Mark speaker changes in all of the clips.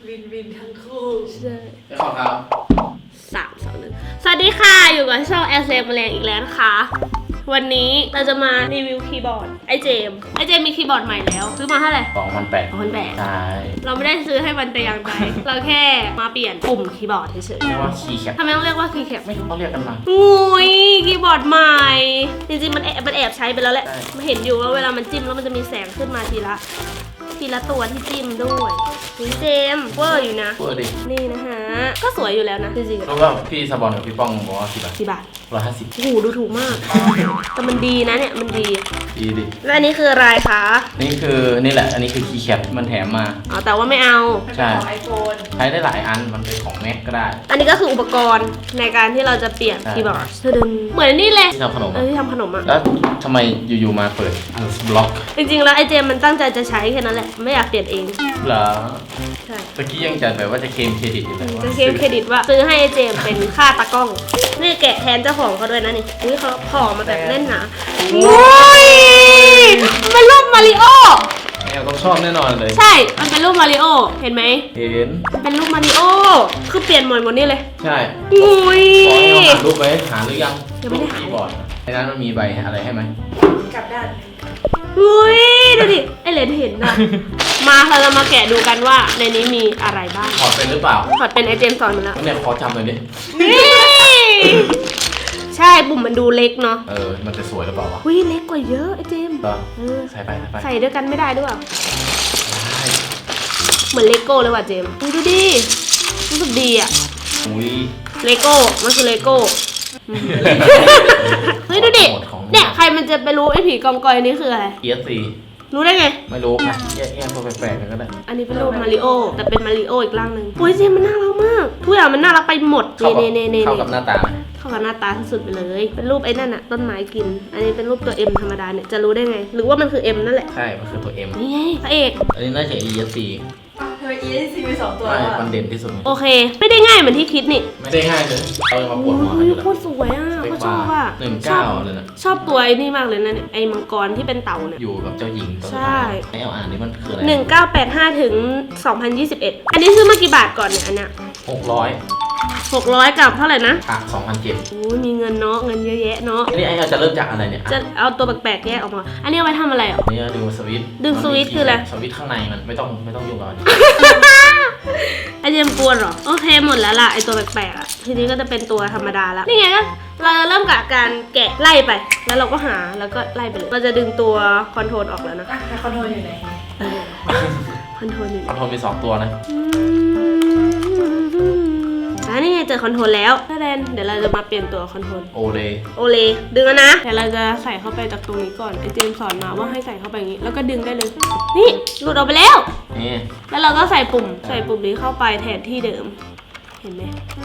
Speaker 1: วินทั้งคู่
Speaker 2: ใช่
Speaker 3: ไปขอครับ
Speaker 2: 3 2 1สวัสดีค่ะอยู่กับช่องแอสเซมแมลงอีกแล้วนะคะวันนี้เราจะมารีวิวคีย์บอร์ดไอเจมมีคีย์บอร์ดใหม่แล้วซื้อมาเท่าไหร่
Speaker 3: 2,800ใช่
Speaker 2: เราไม่ได้ซื้อให้มันแต่อย่างใดเราแค่มาเปลี่ยนปุ่มคีย์บอร์ดเฉย
Speaker 3: เรียกว่าคีย์แคป
Speaker 2: ๆทำไมต้องเรียกว่าคีย์แคป
Speaker 3: ไม่รู้เขาเรียกกันมา
Speaker 2: อุ้ยคีย์บอร์ดใหม่จริงๆมันแอบใช้ไปแล้วแหละมาเห็นอยู่ว่าเวลามันจิ้มแล้วมันจะมีแสงขึ้นมาทีละตัวที่จิ้มด้วยนี่เจมเวอร์อยู่นะ
Speaker 3: เวอร์ดิ
Speaker 2: นี่นะฮะก็สวยอยู่แล้วนะจริงๆ
Speaker 3: รู้ว่าพี่สปอนกับพี่ป้องบอกว่ากี่บาท150
Speaker 2: โอ้โหดูถูกมากแต่มันดีนะเนี่ยมันดี
Speaker 3: ดิ
Speaker 2: แล้วอันนี้คืออะไรคะ
Speaker 3: นี่แหละอันนี้คือคีย์แคปมันแถมมา
Speaker 2: อ๋อแต่ว่าไม่เอา
Speaker 3: ใช่
Speaker 1: ของไอโฟน
Speaker 3: ใช้ได้หลายอันมันเป็นของ Mac ก็ได้
Speaker 2: อันนี้ก็คืออุปกรณ์ในการที่เราจะเปลี่ยนคีย์บอร์ดเหมือนนี่เลย
Speaker 3: ที่ทำขนม
Speaker 2: ที่ทำขนมอ่ะ
Speaker 3: แล้วทำไมอยู่ๆมาเปิดบล็อก
Speaker 2: จริงๆแล้วไอเจมมันตั้งใจจะใช้แค่นั้นแหละไม่อยากเปลี่ยนเอง
Speaker 3: เหรอ
Speaker 2: ใช่
Speaker 3: ตะกี้ยังจะแบบว่าจะเคลมเครดิตอยู่เลย
Speaker 2: จะเคลมเครดิตว่าซื้อให้ไอเจมเป็นค่าตากล้องนี่แกะแทนเจ้าของเขาด้วยนะนี่เขาห่อมาแบบแน่นหนาโอ้ยมันเป็นรูปมาริโอ
Speaker 3: แอลต้องชอบแน่นอนเลย
Speaker 2: ใช่มันเป็นรูปมาริโอเห็นไหม
Speaker 3: เห็น
Speaker 2: เป็นรูปมาริโอคือเปลี่ยนหมดนี่เลย
Speaker 3: ใช่
Speaker 2: งุย
Speaker 3: ขอให้เราหารูปไว้หาหรือยัง
Speaker 2: ยังไม่ได้หา
Speaker 3: คีย์บอร์ดในนั้นมันมีใบอะไรให้ไหม
Speaker 1: กลับด้าน
Speaker 2: อุ้ยดูดิไอเลนเห็นนะมาเราจะมาแกะดูกันว่าในนี้มีอะไรบ้าง
Speaker 3: ถอดเป็นหรือเปล่า
Speaker 2: ถอดเป็นไอเจมสอนมาแล้ว
Speaker 3: เนี่ยขอจำหน่อยดิ
Speaker 2: ใช่ปุ่มมันดูเล็กเนาะ
Speaker 3: มันจะสวยหรือเปล่าวะ
Speaker 2: อุ้ยเล็กกว่าเยอะไอเจม
Speaker 3: ใส่ไป
Speaker 2: ใส่ด้วยกันไม่ได้ด้วยเหมือนเลโก้เลยว่ะเจมดูดิรู้สึกดีอ่ะเลโก้มันคือเลโก้เฮ้ยดูดิเนี่ยใครมันจะไปรู้ไอ้ผีกองกอยนี่คืออะไร
Speaker 3: ESC
Speaker 2: รู้ได้ไง
Speaker 3: ไม่รู้นะแยกตัวแปลกๆกันก็ได้
Speaker 2: อันนี้เป็นรูปมาริโอแต่เป็นมาริโออีกร่างหนึ่งโอ้ยเจมมันน่ารักมากทุกอย่างมันน่ารักไปหมด
Speaker 3: เข้ากับหน้าตา
Speaker 2: เข้ากับหน้าตาที่สุดไปเลยเป็นรูปไอ้นั่นอะต้นไม้กินอันนี้เป็นรูปตัว M ธรรมดาเนี่ยจะรู้ได้ไงหรือว่ามันคือ M นั่นแหละ
Speaker 3: ใช่มันคือตัว M
Speaker 2: นี่ไงพระเอก
Speaker 3: อันนี้น่าจะ ESC
Speaker 1: ทำไม ESC มี2ตัว
Speaker 3: ไม่มันเด่นที่สุด
Speaker 2: โอเคไม่ได้ง่ายเหมือนที่คิดนี่
Speaker 3: ไม่ได้ง่ายเลยเอามาปวดหัวกันอยู่แล้ว
Speaker 2: โคตรสวยอ่ะเขาชอบอ่ะ
Speaker 3: 19เลยนะ
Speaker 2: ชอบตัวไอ้นี่มากเลยนะเนี่ยไอ้มังกรที่เป็นเต่าเนี่ย
Speaker 3: อยู่กับเจ้าหญิง
Speaker 2: ใช่
Speaker 3: ให้เอาอ่านนี่มันคืออะไร
Speaker 2: 1985ถึง2021อันนี้ซื้อมากี่บาทก่อนเนี่ยอันเนี้ย600กับเท่าไหร่นะ
Speaker 3: 2,700
Speaker 2: โอ้ยมีเงินเนาะเงินเยอะแยะเนาะ
Speaker 3: อันนี้เราจะเริ่มจากอะไรเนี่ย
Speaker 2: จะเอาตัวแปลกๆแยกออกมาอันนี้เอาไว้ทำอะไรอ่ะ
Speaker 3: นี่ดึงสวิตช์
Speaker 2: คืออะไร
Speaker 3: สวิตช์ข้างในมันไม่ต้องยุ่งกับมัน
Speaker 2: ไอเจมกวนเหรอโอเคหมดแล้วล่ะไอตัวแปลกๆอ่ะทีนี้ก็จะเป็นตัวธรรมดาแล้วนี่ไงก็เราจะเริ่มกับการแกะไล่ไปแล้วเราก็หาแล้วก็ไล่ไปเลยเราจะดึงตัวคอนโทรลออกแล้วนะ
Speaker 1: คอนโทรลอยู่ไหน
Speaker 2: คอนโทรล
Speaker 3: มี2ตัวนะ
Speaker 2: นี่ไงเจอคอนโทรลแล้วเดี๋ยวเราจะมาเปลี่ยนตัวคอนโทรล
Speaker 3: โอเล
Speaker 2: ดึงแล้วนะเดี๋ยวเราจะใส่เข้าไปจากตรงนี้ก่อนไอเจมสอนมาว่าให้ใส่เข้าไปอย่างนี้แล้วก็ดึงได้เลยนี่หลุดออกไปแล้ว
Speaker 3: นี่
Speaker 2: แล้วเราก็ใส่ปุ่มนี้เข้าไปแทนที่เดิมเห็นไหม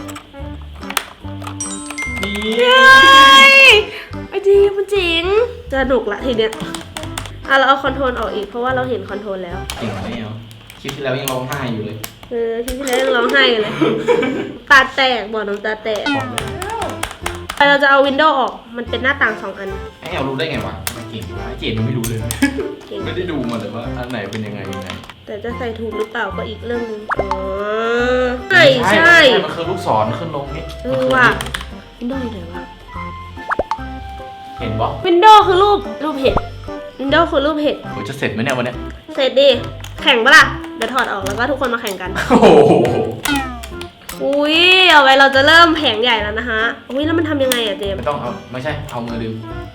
Speaker 2: ไอเจมมันจริงสนุกละทีเนี้ยเราเอาคอนโทรลออกอีกเพราะว่าเราเห็นคอนโทรลแล้ว
Speaker 3: จริงไหมเอาคลิปที่แล้วยังร้องไห้อยู่เลย
Speaker 2: คลิปที่แล้วยังร้องไห้กันเลยตาแตกบอกน้องตาแตกเราจะเอาวินโดว์ออกมันเป็นหน้าต่าง2 อัน
Speaker 3: ไอ้เอารู้ได้ไงวะไม่เก่งวะเจนไม่รู้เลยไม่ได้ดูมาเลยว่าอันไหนเป็นยังไง
Speaker 2: แต่จะใส่ถูกหรือเปล่าก็อีกเรื่องนึงใช่
Speaker 3: มันคือลูกศรขึ้นลงนี่
Speaker 2: ว่ะวินโดว์อยู่ไหนวะ
Speaker 3: เห็นปะ
Speaker 2: วินโดว์คือรูปเห็ดวินโดว์คือรูปเห็ด
Speaker 3: โหจะเสร็จไหมเนี่ยวันนี้
Speaker 2: เสร็จดิแข่งปะล่ะเดี๋ยวถอดออกแล้วก็ทุกคนมาแข่งกัน
Speaker 3: โอ้โห
Speaker 2: อุ้ยเอาไว้เราจะเริ่มแผงใหญ่แล้วนะฮะอุ้ยแล้วมันทำยังไงอะเจม
Speaker 3: ไม่ต้องไม่ใช่เอามือดึง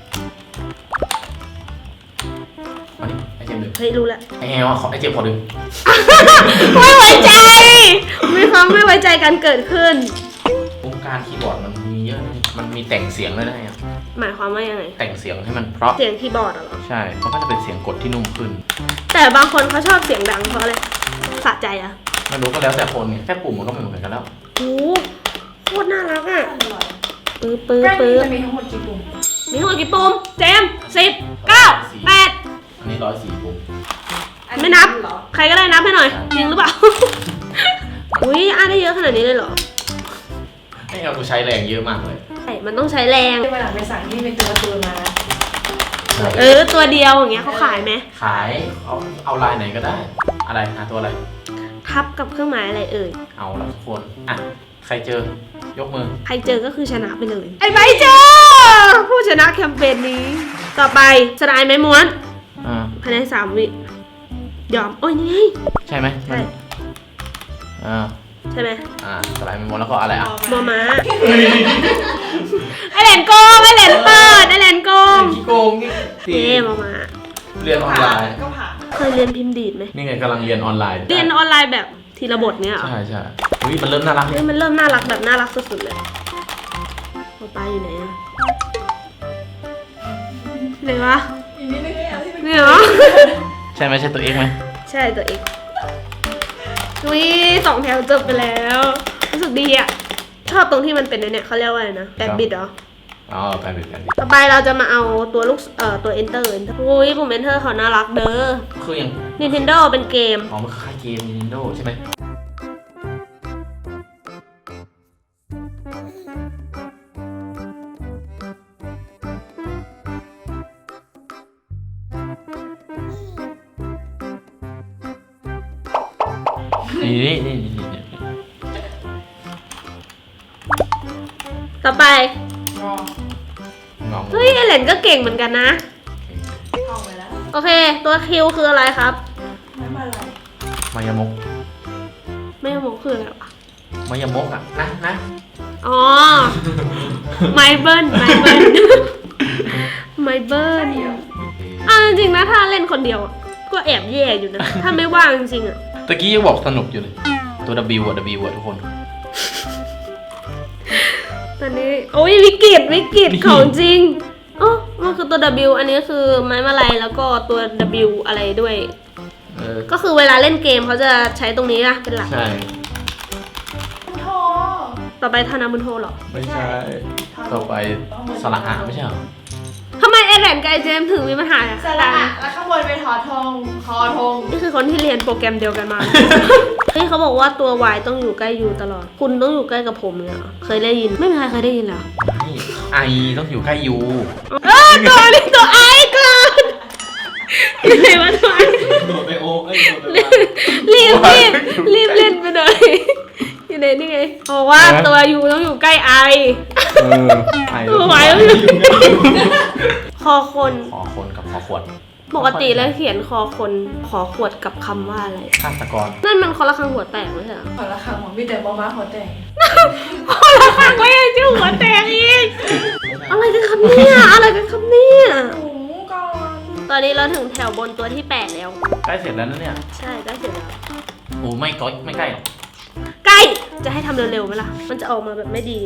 Speaker 3: มาดิไอเจมดึง
Speaker 2: เฮ้ยรู้แล้ว
Speaker 3: ไอแอลขอไอเจมขอดึง
Speaker 2: ไม่ไว้ใจมีความไม่ไว้ใจกันเกิดขึ้น
Speaker 3: วงการคีย์บอร์ดมันมีเยอะมันมีแต่งเสียงด้วยนะ
Speaker 2: หมายความว่ายังไง
Speaker 3: แต่งเสียงให้มันเพราะ
Speaker 2: เสียงคีย์บอร์ดเหรอ
Speaker 3: ใช่มันก็จะเป็นเสียงกดที่นุ่มขึ้น
Speaker 2: แต่บางคนเขาชอบเสียงดังเพราะอะไรสะใจอะ
Speaker 3: ไม่รู้ก็แล้วแต่คนไงแค่ปุ่มมันก็ไม่เหมือนกันแล้ว
Speaker 2: โอ้โคตรน่ารักอ่ะปื๊บ
Speaker 1: จะมีทั้งหมดกี่ปุ่ม
Speaker 2: เจม10 9 8
Speaker 3: อันนี้104ปุ่ม
Speaker 2: ไม่นับใครก็ได้นับให้หน่อยจริงหรือเปล่าอุ้ยได้เยอะขนาดนี้เลยเหรอ
Speaker 3: ให้เราใช้แรงเยอะมากเลย
Speaker 2: ใช่มันต้องใช้แรง
Speaker 1: เวลาไปสั่งนี่เป็นตัวมา
Speaker 2: ตัวเดียวอย่างเงี้ยเขาขายไหม
Speaker 3: ขายเขาเอาลายไหนก็ได้อะไรหาตัวอะไร
Speaker 2: ทับกับเครื่องหมายอะไรเอ่ย
Speaker 3: เอาละทุกคนอ่ะใครเจอยกมือ
Speaker 2: ใครเจอก็คือชนะไปเลย ไอ้ใบเจอผู้ชนะแคมเปญนี้ ต่อไปสไลด์ไม้ม้วน ภายใน3 วิยอมโอ้ยนี่
Speaker 3: ใช่ไหม
Speaker 2: ใช่
Speaker 3: ใช่
Speaker 2: ใช่ไหม
Speaker 3: สไลด์มันหมดแล้วก็อะไรอ่ะ
Speaker 2: มอม้าไอแหลนโกงไอแหลนเปิดไอแหลนโกง
Speaker 3: ขี้โกงนี่
Speaker 2: เย่มอม้า
Speaker 3: เรียนออนไลน์
Speaker 1: ก็ผ่าน
Speaker 2: เคยเรียนพิมพ์ดีดไหม
Speaker 3: นี่ไงกำลังเรียนออนไลน์
Speaker 2: เรียนออนไลน์แบบทีละบทเนี้ยเหรอ
Speaker 3: ใช่ใช่อุ้ยมันเริ่มน่ารัก
Speaker 2: เฮ้ยมันเริ่มน่ารักแบบน่ารักสุดๆเลยปอปลาอยู่ไหนอะไหนวะ
Speaker 1: อีกนิดนึงก็อยากให้เป็น
Speaker 2: เนี่ยเหรอ
Speaker 3: ใช่ไหมใช่ตัวเองไหม
Speaker 2: ใช่ตัวเองวิ2 แถวจบไปแล้วรู้สึกดีอะชอบตรงที่มันเป็นเนี่ยเขาเรียกว่าอะไรนะแบบิดเหรอ
Speaker 3: อ๋อแปลเป็นกันดิ
Speaker 2: ต่อไปเราจะมาเอาตัวลูกตัว enter อุ้ยปุ่ม enter เขาน่ารักเด้อ
Speaker 3: คืออย่าง
Speaker 2: Nintendo เป็นเกม
Speaker 3: อ๋อมันคือค่ายเกม Nintendo ใช่ไหมนี่
Speaker 2: ต่อไป
Speaker 1: งอง
Speaker 3: ง
Speaker 2: เฮ้ยเอเลนก็เก่งเหมือนกันนะ
Speaker 1: เข้าไปแล้ว
Speaker 2: โอเค ตัวคิวคืออะไรครับ
Speaker 1: ไม่มาอะไร
Speaker 3: มายามก
Speaker 2: ไม่รู้คืออะไรวะ
Speaker 3: มายามกอ่ะนะ
Speaker 2: อ๋อ ไมเบิลไมเบิลไมเบิลอ่ะจริงๆนะถ้าเล่นคนเดียวอะก็แอบแย่อยู่นะ ถ้าไม่ว่างจริงๆอ่ะ
Speaker 3: ตะกี้ยังบอกสนุกอยู่เลย ตัว W อ่ะ W อ่ะทุกคน
Speaker 2: ตอนนี้โอ้ยวิกฤตของจริงอ๋อมันคือตัว W อันนี้คือไม้มาลัยแล้วก็ตัว W อะไรด้วย ก็คือเวลาเล่นเกมเขาจะใช้ตรงนี้นะเป็นหลัก
Speaker 3: ใช่
Speaker 1: โท
Speaker 2: ต่อไปธนาบุญโทเหรอ
Speaker 3: ไม่ใช่ ต่อไปสระอะไม่ใช่เหรอ
Speaker 2: ทำไมเอเลนกับไอเจมส์ถึงมีปัญหาอะ
Speaker 1: สระอะแล้วข้างบนเป็นทอทงคอทง
Speaker 2: นี่คือคนที่เรียนโปรแกรมเดียวกันมา เฮ้ยเขาบอกว่าตัว Y ต้องอยู่ใกล้ U ตลอด คุณต้องอยู่ใกล้กับผมเนี่ยเหรอเคยได้ยิน ไม่มีใครเคยได้ยินเหรอ
Speaker 3: ไม่ไอต้องอยู่ใกล้ยู
Speaker 2: ตัวนี้ตัว I เกินไหนวะตัว I
Speaker 3: โดดไปโอ้ยโดดไป
Speaker 2: รีบเล่นไปหน่อยอยู่ไหนนี่ไงบอกว่าตัว U ต้องอยู่ใกล้ I
Speaker 3: ไอ
Speaker 2: ตัว Y ต้องอยู่คอคน
Speaker 3: ขอคนกับขอขวด
Speaker 2: ปกติแล้วเขียนคอคนขอขวดกับคำว่าอะไร
Speaker 3: ฆาตกร
Speaker 2: นั่นมันคนละคำหัวแตกไม่ใช่เหรอ
Speaker 1: ขอละครั้งหมอมีแต่บอม้าหัวแต่ง
Speaker 2: คนละคำก็ยังชื่อหัวแตกอีกอะไรกันครับเนี่ยอะไรกันครับเนี่ย
Speaker 1: ถุงก่อน
Speaker 2: ตอนนี้เราถึงแถวบนตัวที่ 8 แล้ว
Speaker 3: ใกล้เสร็จแล้วนะเนี่ย
Speaker 2: ใช่ใกล้เสร็จแล้ว
Speaker 3: โอ้ไม่ใกล้หรอก
Speaker 2: ใกล้จะให้ทำเร็วๆไหมล่ะมันจะออกมาแบบไม่ดี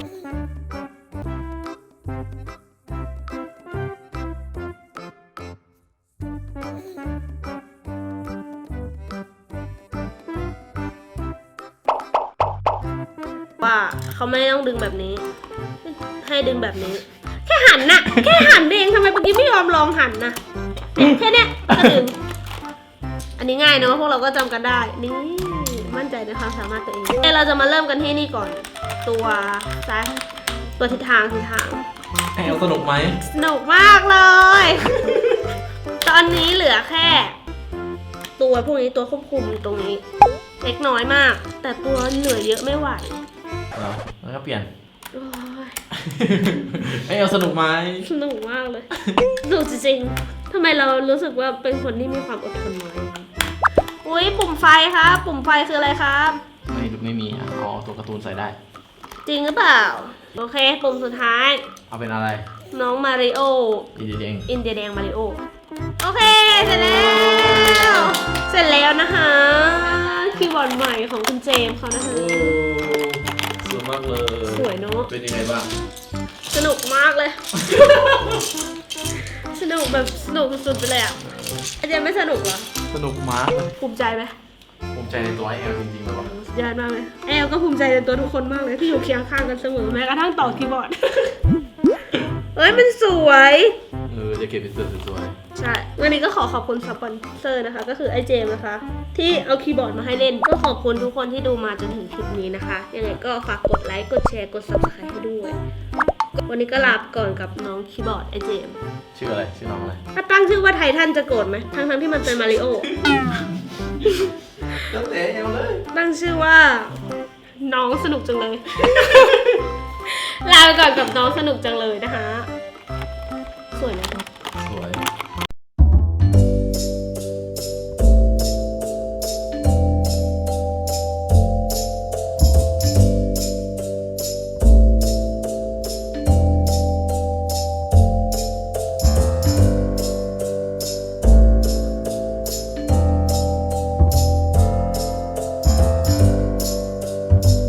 Speaker 2: ว่าเขาไม่ต้องดึงแบบนี้ ให้ดึงแบบนี้ แค่หันน่ะ แค่หันเองทำไมเมื่อกี้ไม่ยอมลองหันนะเนี่ยแค่เนี้ยก็ดึง อันนี้ง่ายเนอะพวกเราก็จำกันได้ นี่มั่นใจในความสามารถตัวเองเราจะมาเริ่มกันที่นี่ก่อน ตัวซ้ายตัวทิศทาง
Speaker 3: แอลสนุกไหม
Speaker 2: สนุกมากเลย ตอนนี้เหลือแค่ ตัวพวกนี้ตัวควบคุมตรงนี้ เล็กน้อยมาก แต่ตัวเหนื่อยเยอะไม่ไหว
Speaker 3: เหรอแล้วก็เปลี่ยน
Speaker 2: โอ้ย
Speaker 3: แอลสนุกไหม
Speaker 2: สนุกมากเลยสนุกจริงๆทำไมเรารู้สึกว่าเป็นคนที่มีความอดทนน้อยอุ้ยปุ่มไฟครับ ปุ่มไฟคืออะไรครับ
Speaker 3: ไม่มีอ่ะอ๋อตัวการ์ตูนใส่ได้
Speaker 2: จริงหรือเปล่า โอเค ปุ่มสุดท้าย
Speaker 3: เอาเป็นอะไร
Speaker 2: น้องมาริโอ
Speaker 3: ดีเด้ง
Speaker 2: อินเดียแดงมาริโอ โอเค เสร็จแล้ว เสร็จแล้วนะคะคีย์บอร์ดใหม่ของคุณเจมส์เขานะคะ
Speaker 3: สวยมากเลย
Speaker 2: สวยเนอะ
Speaker 3: เป็นยังไงบ้าง
Speaker 2: สนุกมากเลย สนุกแบบสนุกสุดๆไปเลยอ่ะอาจารย์ไม่สนุกเหรอ
Speaker 3: สนุกมากเลย
Speaker 2: ภูมิใจไหม
Speaker 3: ภูมิใจในตัวแอลจริงๆเลยว่ะ
Speaker 2: สุดยอดมากเลยแอลก็ภูมิใจในตัวทุกคนมากเลยที่อยู่เคียงข้างกันเสมอแม้กระทั่งต่อคีย์บอร์ด เอ้ยมันสวย
Speaker 3: จะเก็บเป็นเสื้อสวย
Speaker 2: ใช่ วันนี้ก็ขอขอบคุณสปอนเซอร์นะคะ ก็คือไอเจมนะคะ ที่เอาคีย์บอร์ดมาให้เล่น ก็ขอบคุณทุกคนที่ดูมาจนถึงคลิปนี้นะคะ ยังไงก็ฝากกดไลค์ กดแชร์ กด subscribe ให้ด้วย วันนี้ก็ลาไปก่อนกับน้องคีย์บอร์ดไอเจม
Speaker 3: ชื่ออะไรชื่อน้องอะไร
Speaker 2: ถ้าตั้งชื่อว่าไททันจะโกรธไหม ทั้งที่มันเป็นมาริโอ
Speaker 3: แล้วแต่เอาเลย
Speaker 2: ตั้งชื่อว่า น้องสนุกจังเลย ลาไปก่อนกับน้องสนุกจังเลยนะคะ สวยไหม